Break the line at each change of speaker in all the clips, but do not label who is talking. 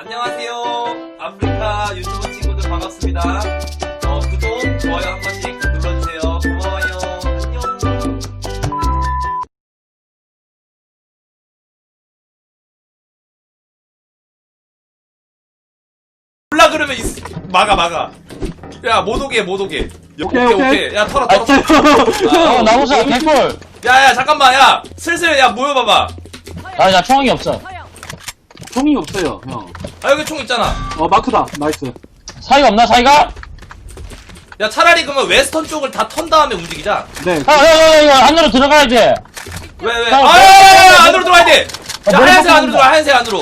안녕하세요. 아프리카 유튜브 친구들 반갑습니다. 구독, 좋아요 한 번씩 눌러주세요. 고마워요. 안녕. 몰라 그러면 막아. 야, 못 오게. 오케이. 야, 털어.
나무사 개꿀.
야, 잠깐만, 야, 슬슬, 야, 모여봐봐.
나 총알이 없어.
총이 없어요, 형.
아, 여기 총 있잖아.
마크다. 나이스.
사이가 없나, 사이가?
야, 차라리 그러면 웨스턴 쪽을 다 턴 다음에 움직이자.
네.
안으로 들어가야지.
왜?
야,
야, 안으로 들어와야 돼. 야,
머리
하얀색
꺾는다.
안으로 들어와, 하얀색 안으로.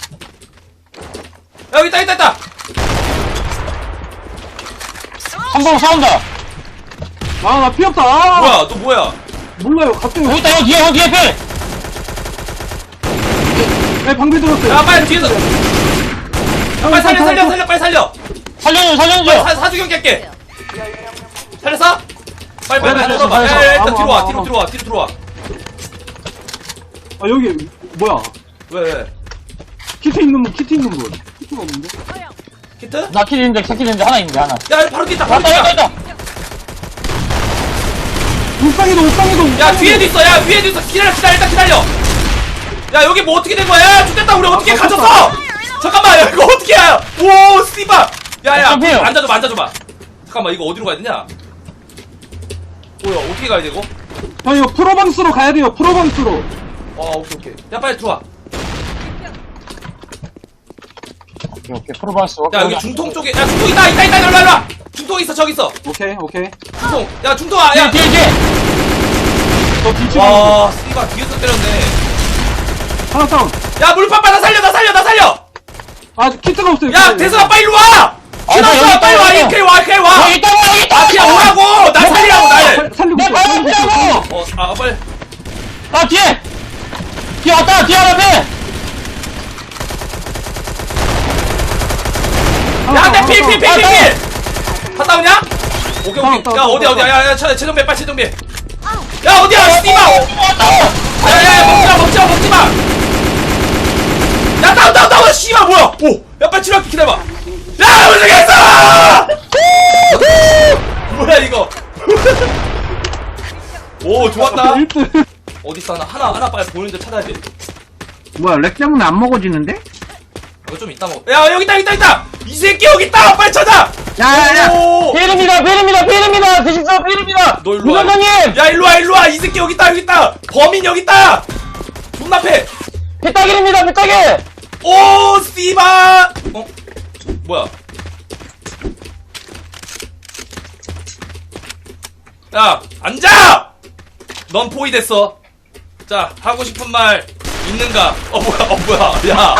야, 여기 있다.
한번 싸운다.
나 피 없다.
뭐야, 너 뭐야?
몰라요. 갑자기.
여기 있다, 형 뒤에 필.
네, 방비 들었어요.
야, 빨리 뒤에서. 야, 빨리 살려, 빨리 살려.
살려줘.
사주경 깰게. 살렸어? 빨리
네,
들어봐.
살렸어.
야, 일단
아무.
뒤로 들어와.
여기, 뭐야.
왜?
키트 있는 분. 키트가 없는데?
키트?
나 킬인데, 새킬인데 하나 있는데, 하나.
야, 바로 뒤 있다.
왔다.
옥상에도.
야, 위에도 있어. 기다려. 야, 여기 뭐 어떻게 된 거야? 야, 죽겠다. 우리 어떻게 갇혔어? 잠깐만, 야, 이거 어떻게 해? 오, 씨발. 야,
어떡해요?
앉아줘봐. 잠깐만, 이거 어디로 가야 되냐? 뭐야, 어떻게 가야 되고?
형, 이거 프로방스로 가야 돼요. 프로방스로.
오케이. 야, 빨리 들어와.
오케이, 프로바스.
야, 여기 중통 쪽에, 야, 중통 있다. 일로 와. 중통 있어, 저기 있어.
오케이.
중통. 야, 중통아, 야.
뒤에.
저 뒤치고.
와, 씨발, 뒤에서 때렸네.
하나 다운.
야, 물파 나 살려.
키트가 없어요.
야, 대선아, 빨리 일로 와. 신었어, 빨리 와. 이렇게 와.
여기 있다.
아, 그냥 오라고. 나 살리라고, 날.
살리고
내
있어.
바로 피하고.
빨리.
뒤에 왔다. 뒤에 하나 빼.
야, 필. 갔다 오냐? 오케이. 야, 어디야? 야, 최정배, 빨리 최정배. 야, 어디야? 씨발. 야, 먹지 마. 야, 다운. 씨발, 뭐야? 야, 빨리 치료할게. 기다려봐. 야, 우승했어! 뭐야, 이거? 오, 좋았다.
1등.
어딨어? 하나 빨리 보이는데 찾아야 돼.
뭐야, 렉 때문에 안 먹어지는데?
이거 좀 이따 먹어. 야, 여기 있다. 이 새끼 여기 있다. 빨리 찾아.
야.
오.
필입니다. 대신서 필입니다.
너 일로 와.
부장님.
야, 일로 와. 이 새끼 여기 있다. 범인 여기 있다. 존나 패.
피따길입니다.
오, 씨발. 뭐야? 야, 앉아. 넌 포위됐어. 자, 하고 싶은 말 있는가? 뭐야? 야.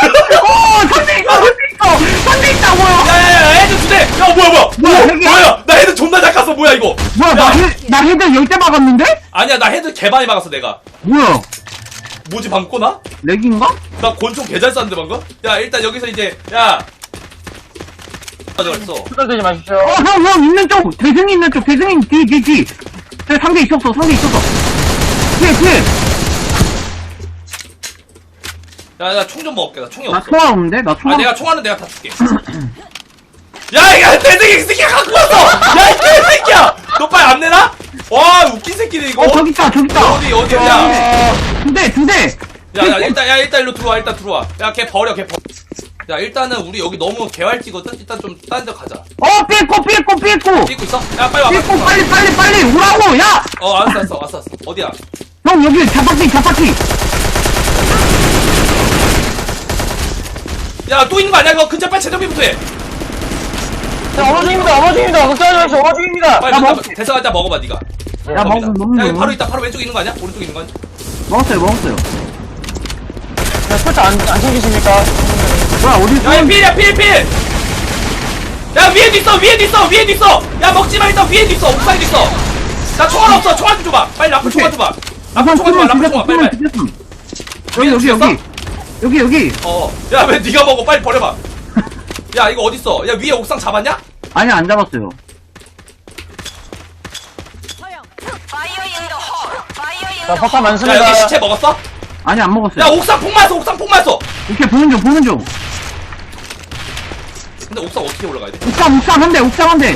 상대 있다, 뭐야.
야, 헤드 두 대. 야, 뭐야? 나 헤드 존나 잘 깠어. 뭐야 이거?
뭐야,
야,
나 헤드 10대 막았는데?
아니야, 나 헤드 개 많이 막았어 내가.
뭐야,
뭐지 방꼬 나?
렉인가?
나 권총 개 잘 쐈는데 방금? 야, 일단 여기서 이제 야. 가져갔어.
투덜대지 마십시오.
형, 있는 쪽! 대승이 있는 쪽! 대승이 뒤! 상대 있었어! 뒤에!
야, 나 총 좀 먹을게. 나 총이
나
없어.
총알 없는데? 나 총알
내가 총알은 내가 다 줄게. 야, 이거 대생이 새끼야 갖고 왔어. 야, 이 개새끼야. 너 빨리 안 내나? 와, 웃긴 새끼네 이거.
저기 있다!
어디? 야.
두 대!
야, 일단 일로 들어와. 야, 걔 버려. 야, 일단은 우리 여기 너무 개활지거든. 일단 좀 딴 데 가자.
삐꾸!
삐고 있어? 야, 빨리 와.
삐꾸, 빨리! 오라고! 야!
알았어. 어디야?
형, 여기 자바퀴!
야, 또 있는 거 아니야? 이거 근처 빨리 재정비부터 해.
어머중입니다. 걱정하지 마십시오. 어머중입니다.
빨리
나
일단
먹을게.
대사갈 때 먹어봐, 니가.
야, 먹는
야, 이거 바로 왼쪽에 있는 거 아니야? 오른쪽에 있는 거 아니야?
먹었어요.
설탕 안 챙기십니까?
뭐야, 어디
야, 필! 야, 위에도 있어! 야, 먹지 마, 일단 위에도 있어! 옥상에도 있어! 나 총알 없어! 총알 좀 줘봐! 빨리 라플 총알 줘봐! 라플 총알, 빨리!
여기.
야, 왜 니가 먹어? 빨리 버려봐! 야, 이거 어딨어? 야, 위에 옥상 잡았냐?
아니, 안 잡았어요.
자, 폭탄
야,
많습니다.
여기 시체 먹었어?
아니, 안 먹었어요.
야, 옥상 폭 맞았어!
오케이, 보는 중.
근데 옥상 어떻게 올라가야 돼?
옥상 한 대, 옥상 한 대.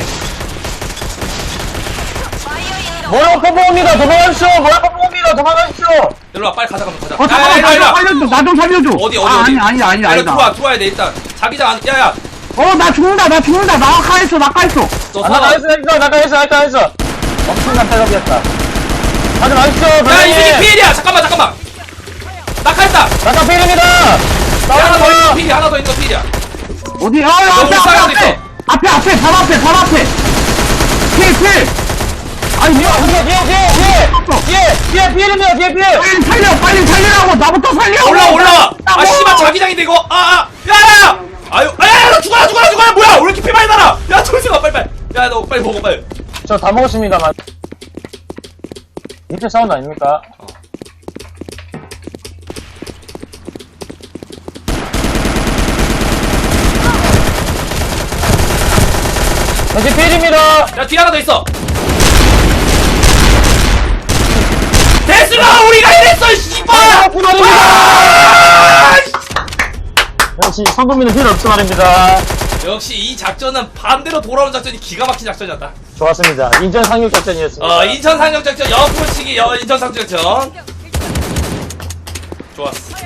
뭐야, 퍼포입니다. 도망가십시오. 뭐야, 퍼포입니다. 도망가십시오.
일로 와, 빨리 가자, 가자.
어, 잠깐만,
일로 와.
살려줘. 나 좀 살려줘.
어디?
아, 아니다.
일로 들어와야 돼, 일단. 자기장 안, 야.
나 죽는다. 나 가했어.
너
아,
살아.
나가있어. 엄청난 패력이었다. 하지 마십시오,
야, 이 새끼
선생님.
피해야! 잠깐만. 낙하했다!
나가 필입니다.
야, 하나 더 있는
싸우는
피해, 하나 더 있는 거 피해야.
어디?
옥상에 하나 있어.
앞에, 바로 앞에. 필. 아니,
거야. 뒤에 필입니다. 뒤에 필.
빨리 살리라고. 나부터 살려.
올라와! 아, 씨발, 자기장인데, 이거! 야! 아유, 너 죽어라! 뭐야! 왜 이렇게 피 많이 나라! 야, 조심아, 빨리! 야, 너 빨리 먹어, 빨리.
저 다 먹었습니다만. 밑에 사운드 아닙니까? 다시 필입니다.
야, 뒤에 하나 더 있어! 데스가 우리가 이랬어, 씨발! 아!
역시 성도민은 필요 없어 말입니다.
역시 이 작전은 반대로 돌아오는 작전이 기가 막힌 작전이었다.
좋았습니다. 인천 상륙 작전이었습니다.
인천 상륙작전, 옆으로 치기, 인천 상륙작전. 좋았어.